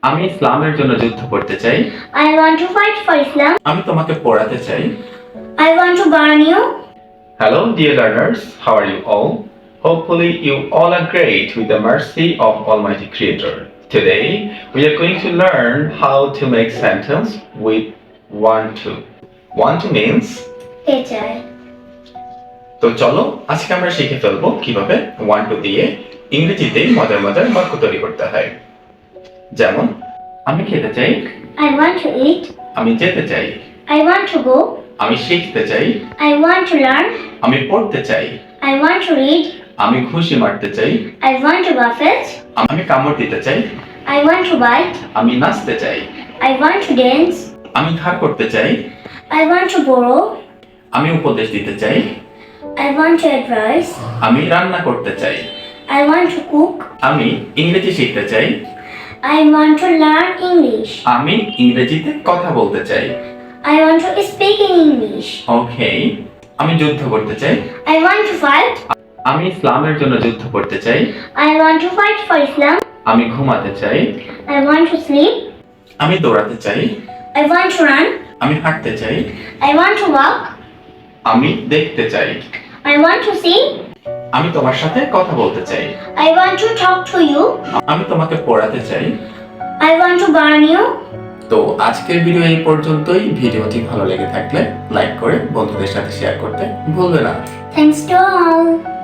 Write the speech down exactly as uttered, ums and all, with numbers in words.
আমি ইসলামের জন্য যুদ্ধ করতে চাই। I want to fight for Islam. আমি তোমাকে পড়াতে চাই। I want to burn you. Hello dear learners, how are you all? Hopefully you all are great with the mercy of Almighty Creator. Today we are going to learn how to make sentence with want to. Want to means Teacher. তো চলো আজকে আমরা শিখে ফেলবো কিভাবে want to দিয়ে ইংরেজিতে মজার মজার বাক্য তৈরি করতে হয়। যেমন আমি খেতে চাই, I want to eat. আমি যেতে চাই, I want to go. আমি শিখতে চাই, I want to learn. আমি পড়তে চাই, I want to read. আমি ঘুষি মারতে চাই, I want to buffet. আমি কামড় দিতে চাই, I want to bite. আমি নাচতে চাই, I want to dance. আমি ধার করতে চাই, I want to borrow. আমি উপদেশ দিতে চাই, I want to advise. আমি রান্না করতে চাই, I want to cook. আমি ইংরেজি শিখতে চাই, I want to learn English. আমি ইংরেজিতে কথা বলতে চাই। I want to speak in English. ওকে, আমি যুদ্ধ করতে চাই, I want to fight. আমি ইসলামের জন্য যুদ্ধ করতে চাই, I want to fight for Islam. আমি ঘুমাতে চাই, I want to sleep. আমি দৌড়াতে চাই, I want to run. আমি হাঁটতে চাই, I want to walk. আমি দেখতে চাই, I want to see. আমি তোমার সাথে কথা বলতে চাই, I want to talk to you. আমি তোমাকে পড়াতে চাই। I want to burn you. তো আজকের ভিডিও এই পর্যন্তই। ভিডিওটি ভালো লেগে থাকলে লাইক করে বন্ধুদের সাথে শেয়ার করতে ভুলবে না। Thanks to all.